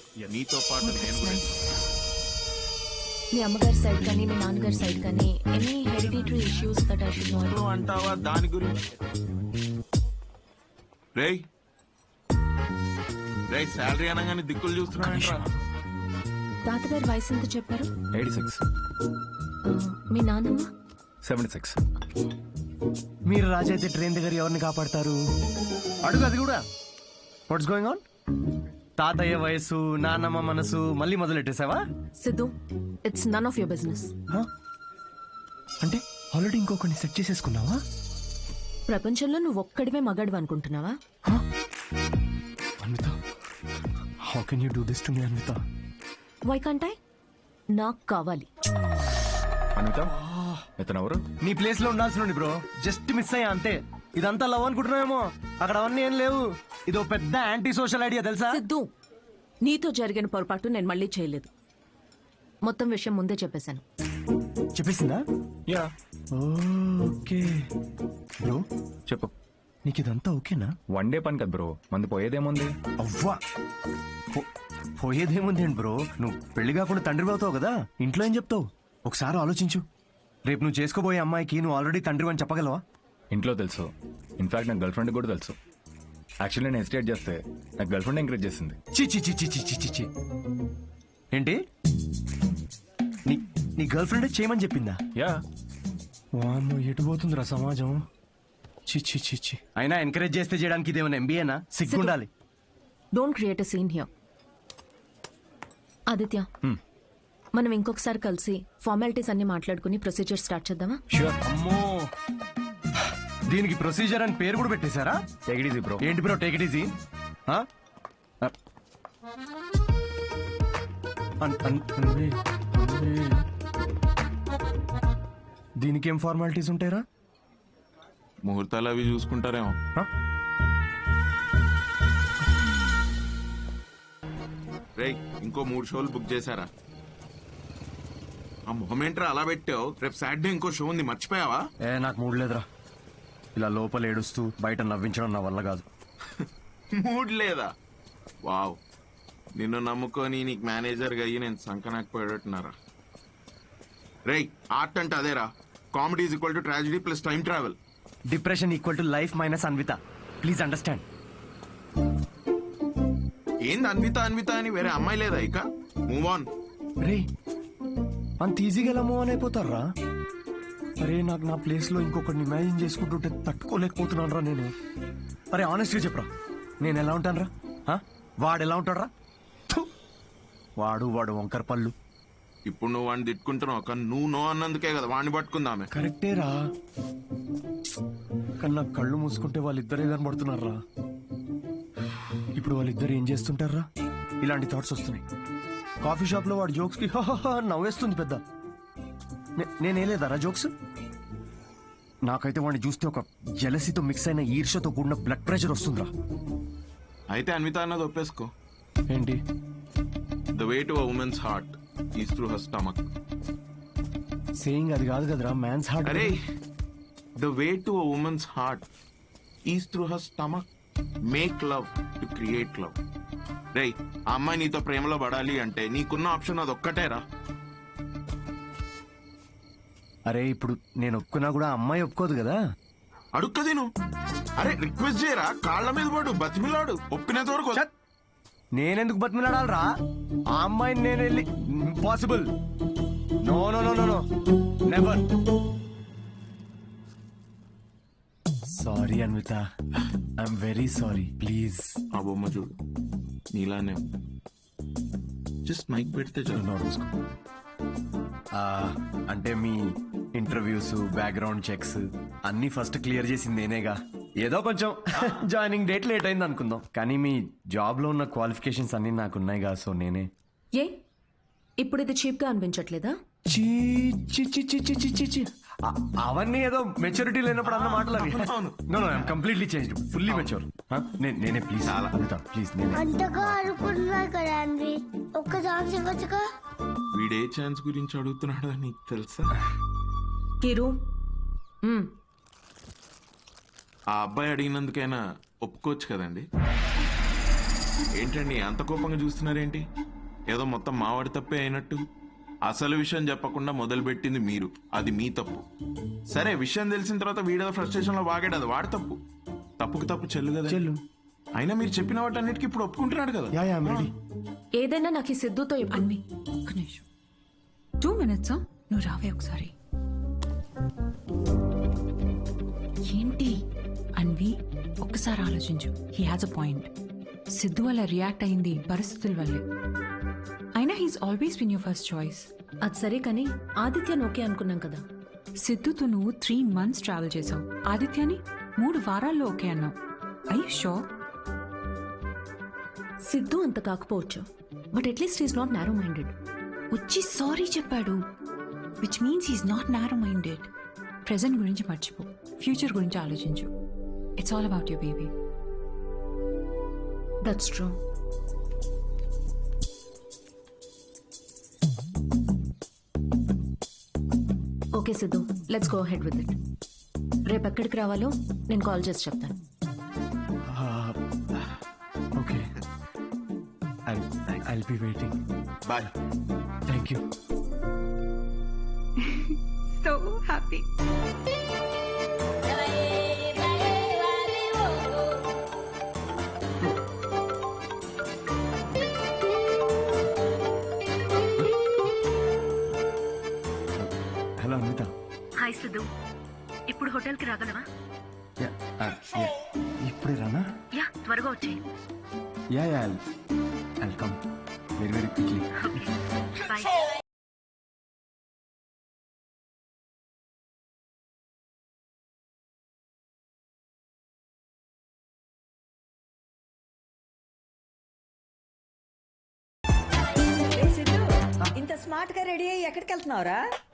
నీతో పాటు నేను కూడా. మీ అమ్మగారి సైడ్ కానీ మీ నాన్నగారి సైడ్ కానీ any hereditary issues that I should know. అంటావా దాని గురించి? రేయ్ రేయ్ శాలరీ అనగానే దిక్కులు చూస్తున్నా. తాతగారి వయసు ఎంత చెప్పారు? 86. మీ నాన్నమ్మ? 76. మీరు రాజు అయితే ట్రైన్ దగ్గర ఎవరిని కాపాడతారు? అడుగు అది కూడా. What's going on? తాతయ్య వయసు, నాన్నమ్మ మనసు మళ్ళీ మొదలెట్టేసావా? Siddhu, it's none of your business. అంటే ఆల్రెడీ ఇంకొకరిని సెట్ చేసేసుకున్నావా? ప్రపంచంలో నువ్వు ఒక్కడివే మగాడు అనుకుంటున్నావా? Anvitha, how can you do this to me Anvitha? Why can't I? నాకు కావాలి. అనిత, ఇతనెవరు? నీ ప్లేస్ లో ఉండాల్సిన బ్రో, జస్ట్ మిస్ అయ్యా అంతే. ఇదంతా లవ్ అనుకుంటున్నావేమో, అక్కడ అవన్నీ ఏం లేవు. ఇదో పెద్ద యాంటీ సోషల్ ఐడియా తెలుసా? సిద్ధు, నీతో జరిగిన పొరపాటు నేను మళ్ళీ చేయలేదు. మొత్తం విషయం ముందే చెప్పేశాను. చెప్పేసిందా? యా. ఓకే బ్రో, చెప్పు. నీకు ఇదంతా ఓకేనా? వన్ డే పని కదా బ్రో, మంది పోయేదేముంది? అవ్వా, పోయేదేముంది ఏంటి బ్రో, నువ్వు పెళ్లి కాకుండా తండ్రి అవుతావు కదా, ఇంట్లో ఏం చెప్తావు? ఒకసారి ఆలోచించు. రేపు నువ్వు చేసుకోబోయే అమ్మాయికి నువ్వు ఆల్రెడీ తండ్రి అని చెప్పగలవా? ఇంట్లో తెలుసు, ఇన్ఫాక్ట్ నాకు గర్ల్ ఫ్రెండ్ కూడా తెలుసు. యాక్చువల్లీ నేను ఎస్టేట్ చేస్తే నాకు గర్ల్ ఫ్రెండ్ ఎంకరేజ్ చేసింది. చి చి చి చి చి చి చి. ఏంటి, నీ గర్ల్ ఫ్రెండ్ చేయమని చెప్పిందా? యా. వామ్మో, ఎటు పోతుందిరా సమాజం. చి చి చి చి. అయినా ఎంకరేజ్ చేస్తే చేయడానికి ఇదేమైనా ఎంబీఏనా? సిగ్గుండాలి. Don't create a scene here. Aditya, మనం ఇంకొకసారి కలిసి ఫార్మాలిటీస్ అన్ని మాట్లాడుకుని ప్రొసీజర్ స్టార్ట్ చేద్దామా? ష్యూర్. అమ్మో, దీనికి ప్రొసీజర్ అని పేరు కూడా పెట్టేశారా? Take it easy bro. ఏంటి బ్రో టేక్ ఇట్ ఈజీ? దీనికి ఏం ఫార్మాలిటీస్ ఉంటాయరా? ముహూర్తాలు అవి చూసుకుంటారేమో. రేయ్, ఇంకో 3 షోలు బుక్ చేశారా? ఆ మొహమేంట్రా అలా పెట్టావు? రేపు సాటర్డే ఇంకో షో ఉంది, మర్చిపోయావా? నాకు మూడ్ లేదురా. ఇలా లోపల ఏడుస్తూ బయట నవ్వించడం నా వల్ల కాదు. మూడ్ లేదా? వావ్, నిన్ను నమ్ముకొని నీకు మేనేజర్గా అయ్యి నేను సంకనాకపోయేటట్టున్నారా? రేయ్, ఆర్ట్ అంటే అదేరా. Comedy is equal to tragedy plus time travel. Depression equal to life minus Anvitha. Please understand. ఏంది అన్విత అన్విత అని వేరే అమ్మాయి లేదా ఇక? Move on. రే, అంత ఈజీగా ఎలా మూవ్ ఆన్ అయిపోతారా? అరే, నాకు నా ప్లేస్ లో ఇంకొకరిని ఇమాజిన్ చేసుకుంటుంటే తట్టుకోలేకపోతున్నాను రా నేను. అరే ఆనెస్ట్ గా చెప్పరా, నేను ఎలా ఉంటాను రా? వాడు ఎలా ఉంటాడు రా? వాడు వంకర పళ్ళు. ఇప్పుడు నువ్వు వాడిని తిట్టుకుంటున్నావు, కానీ నువ్వు నో అన్నందుకే కదా వాడిని పట్టుకుందామే. కరెక్టే రా, కానీ నాకు కళ్ళు మూసుకుంటే వాళ్ళిద్దరే కనబడుతున్నారా. ఇప్పుడు వాళ్ళిద్దరు ఏం చేస్తుంటారా? ఇలాంటి థాట్స్ వస్తున్నాయి. కాఫీ షాప్ లో వాడు జోక్స్ కి నవ్వేస్తుంది పెద్ద. నేనేలేదారా జోక్స్? నాకైతే వాడిని చూస్తే ఒక జెలసీతో మిక్స్ అయిన ఈర్ష్యతో కూడిన బ్లడ్ ప్రెషర్ వస్తుందిరా. అయితే అన్విత అన్నది ఒప్పేసుకో. ఏంటి? The way to a women's heart is through her stomach. Saying అది కాదు కదరా, మ్యాన్స్ హార్ట్. అరే, the way to a women's heart is through her stomach. Make love to create love. రేయ్, ఆ అమ్మాయి నీతో ప్రేమలో పడాలి అంటే నీకున్న ఆప్షన్ అది ఒక్కటేరా. అరే, ఇప్పుడు నేను ఒప్పుకున్నా కూడా అమ్మాయి ఒప్పుకోదు కదా. అడుక్కది నువ్వు. అరే, రిక్వెస్ట్ చేయరా, కాళ్ళ మీద పడు, బతిమిలాడు, ఒప్పినంత వరకు. నేనెందుకు బతిమిలాడాలరా? ఆ అమ్మాయిని నేను వెళ్ళి impossible. No no no no no, never. Sorry Anvitha, I'm very sorry. Please. ఆ బొమ్మ చూడు, నీలానే జస్ట్ మైక్ పెడితే చాలు. అంటే మీ ఇంటర్వ్యూస్, బ్యాక్గ్రౌండ్ చెక్స్ అన్ని ఫస్ట్ క్లియర్ చేసింది నేనేగా. ఏదో కొంచెం జాయినింగ్ డేట్ లేట్ అయింది అనుకుందాం, కానీ మీ జాబ్ లో ఉన్న క్వాలిఫికేషన్స్ అన్ని నాకున్నాయిగా, సో నేనే. ఏ ఇప్పుడు ఇది చీప్ గా అనిపించట్లేదా? అవన్నీ ఏదో మెచ్యూరిటీ లేనప్పుడు అన్న మాటలు అవి. No no, I'm completely changed, fully mature. నేనే ప్లీజ్ అడుగుతా, ప్లీజ్ నేనే. అంతగా అనుకుంటున్నా కదా అండి, ఒక్క ఛాన్స్ ఇవ్వచ్చుగా. వీడే ఛాన్స్ గురించి అడుగుతున్నాడు నీకు తెలుసా? కిరు, ఆ అబ్బాయి అడిగినందుకైనా ఒప్పుకోవచ్చు కదండి. ఏంటండి అంత కోపంగా చూస్తున్నారేంటి? ఏదో మొత్తం మావాడి తప్పే అయినట్టు. అసలు విషయం చెప్పకుండా మొదలుపెట్టింది మీరు, అది మీ తప్పు. సరే, విషయం తెలిసిన తర్వాత వీడేదో ఫ్రస్ట్రేషన్ లో వాగాడు, అది వాడి తప్పు. తప్పుకు తప్పు చెల్లు కదా. చెల్లు. అయినా మీరు చెప్పిన వాటన్నిటికీ ఇప్పుడు ఒప్పుకుంటున్నాడు కదా. Yeah ready. ఏదైనా నాకు ఈ సిద్ధుతో అన్వి ఒక్క నిమిషం 2 minutes నువ్వు రావే ఒకసారి. ఏంటి అన్వి, ఒక్కసారి ఆలోచించు. He has a point. Siddhu వల్ల రియాక్ట్ అయింది పరిస్థితుల వల్లే. అయినా he's always been your first choice. అది సరే కానీ ఆదిత్యను ఓకే అనుకున్నాం కదా. సిద్ధుతో నువ్వు 3 months ట్రావెల్ చేసావు. ఆదిత్యని 3 వారాల్లో ఓకే అన్నావు. I you sure? సిద్ధు అంత కాకపోవచ్చు, but at least is not narrow minded. వచ్చి సారీ చెప్పాడు, which means he's not narrow minded. Present గురించి మర్చిపో, ఫ్యూచర్ గురించి ఆలోచించు. It's all about your baby. That's true. Okay Siddhu, let's go ahead with it. రేపు ఎక్కడికి రావాలో నేను కాల్ చేసి చెప్తాను. Okay, I'll be waiting. Bye. Thank you. So happy. Hello Anvitha. Hi Siddhu, ఇప్పుడు హోటల్కి రాగలవా? ఇప్పుడే రానా? యా, త్వరగా వచ్చేయి. Yeah I'll come very very quickly. Bye. ఇంత స్మార్ట్ గా రెడీ అయ్యి ఎక్కడికి వెళ్తున్నావురా?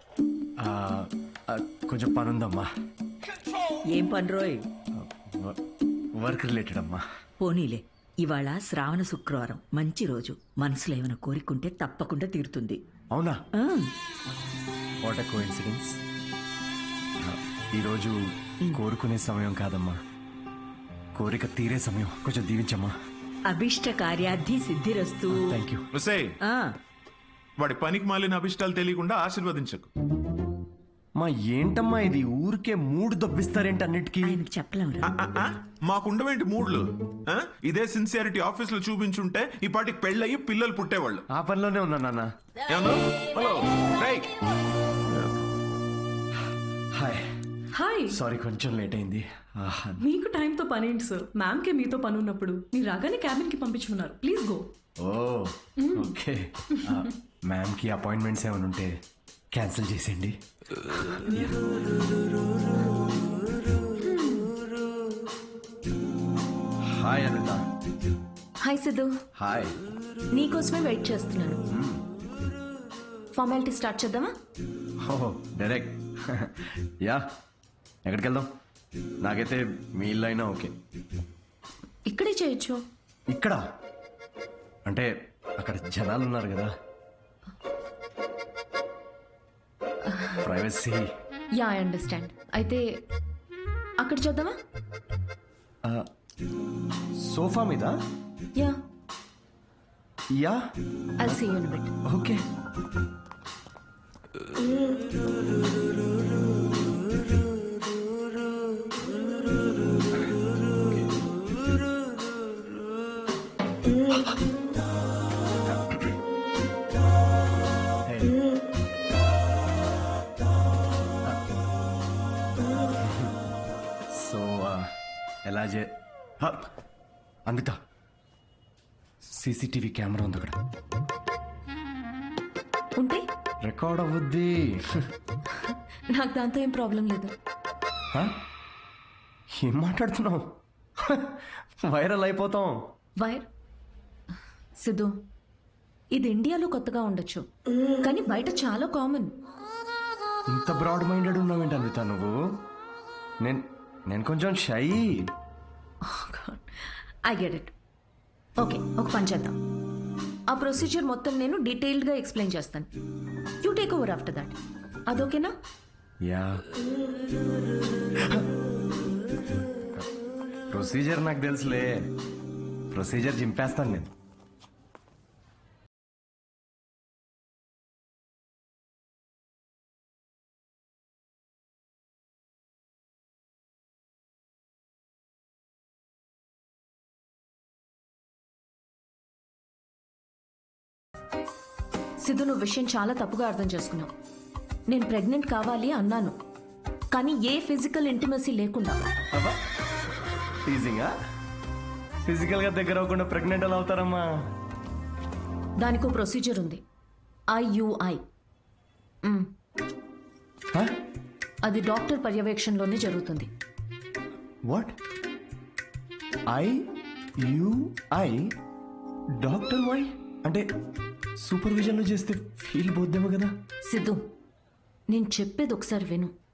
కొంచెం పని ఉందమ్మా. ఏం పని రోయ్? వర్క్ రిలేటెడ్ అమ్మా. పోనీలే, ఇవాళ శ్రావణ శుక్రవారం, మంచి రోజు. మనసులో ఏమైనా కోరికుంటే తప్పకుండా తీరుతుంది. అవునా? ఆ, వాట్ ఎ కోఇన్సిడెన్స్. ఈరోజు కోరుకునే సమయం కాదమ్మా, కోరిక తీరే సమయం. కొంచెం దీవించమ్మా. అభిష్ట కార్యార్థి సిద్ధిరస్తు. Thank you. ఒసేయ్, ఆ, వాడి పనికి మాలిన అభిష్టాలు తెలియకుండా ఆశీర్వదించకు. మా ఏంటమ్మా ఇది, ఊరికే మూడు దొబ్బిస్తారేంటి అన్నిటికీ? ఆయనకు చెప్పలేమురా. మాకుండవేంటి మూడ్లు? ఆ? ఇదే సిన్సియారిటీ ఆఫీస్ లో చూపించుంటే ఈ పాటికి పెళ్ళయి పిల్లలు పుట్టేవాళ్ళు. ఆ పనిలోనే ఉన్నా నాన్న. ఏమన్నా? హలో, రేయ్. హాయ్. హాయ్, సారీ కొంచెం లేట్ అయింది. మీకు టైంతో పని ఏంటి సార్? మ్యామ్కే మీతో పని ఉన్నప్పుడు మీరు రాగానే క్యాబిన్కి పంపించమన్నారు. Please go. Oh okay. Ma'am కి అపాయింట్మెంట్స్ ఏమైనా ఉంటే క్యాన్సిల్ చేసేయండి. Hi Anitha. Hi Siddhu, hi. నీకోసమే వెయిట్ చేస్తున్నాను. ఫార్మాలిటీ స్టార్ట్ చేద్దామా? Oh direct. యా, ఎక్కడికి వెళ్దాం? నాకైతే మీ ఇల్లు అయినా ఓకే. ఇక్కడే చేయొచ్చు. ఇక్కడ అంటే అక్కడ జనాలు ఉన్నారు కదా, ప్రైవసీ. Yeah, I understand. అయితే అక్కడ చూద్దామా? సోఫా మీద. Yeah, yeah, I'll see you in a bit. Okay. So ఎలా అన్విత, సీసీటీవీ కెమెరా ఉంది అక్కడ. ఉంటే రికార్డ్ అవ్వద్ది. నాకు దాంతో ఏం ప్రాబ్లం లేదు. ఏం మాట్లాడుతున్నావు? వైరల్ అయిపోతాం. వైర్ సిద్ధు, ఇది ఇండియాలో కొత్తగా ఉండొచ్చు, కానీ బయట చాలా కామన్. ఇంత బ్రాడ్ మైండెడ్ ఉన్నావేంటి అన్విత నువ్వు? నేను కొంచెం shy. I get it. Okay, ఒక పని చేద్దాం. ఆ ప్రొసీజర్ మొత్తం నేను డీటెయిల్డ్గా ఎక్స్ప్లెయిన్ చేస్తాను. You take over after that. అదొకేనా? యా. ప్రొసీజర్ నాకు తెలుసులే, ప్రొసీజర్ చింపేస్తాను నేను. సిద్ధు, నువ్వు విషయం చాలా తప్పుగా అర్థం చేసుకున్నావు. నేను ప్రెగ్నెంట్ కావాలి అన్నాను, కానీ ఏ ఫిజికల్ ఇంటిమసీ లేకుండా. అబ్బా టీజింగా? ఫిజికల్గా దగ్గర అవ్వకుండా ప్రెగ్నెంట్ ఎలా అవుతారమ్మా? దానికో ప్రొసీజర్ ఉంది, IUI. అది డాక్టర్ పర్యవేక్షణలోనే జరుగుతుంది. వాట్? IUI? డాక్టర్ వై అంటే సూపర్విజన్లో చేస్తే ఫీల్ పోద్దేమో కదా? సిద్ధు, నేను చెప్పేది ఒకసారి విను.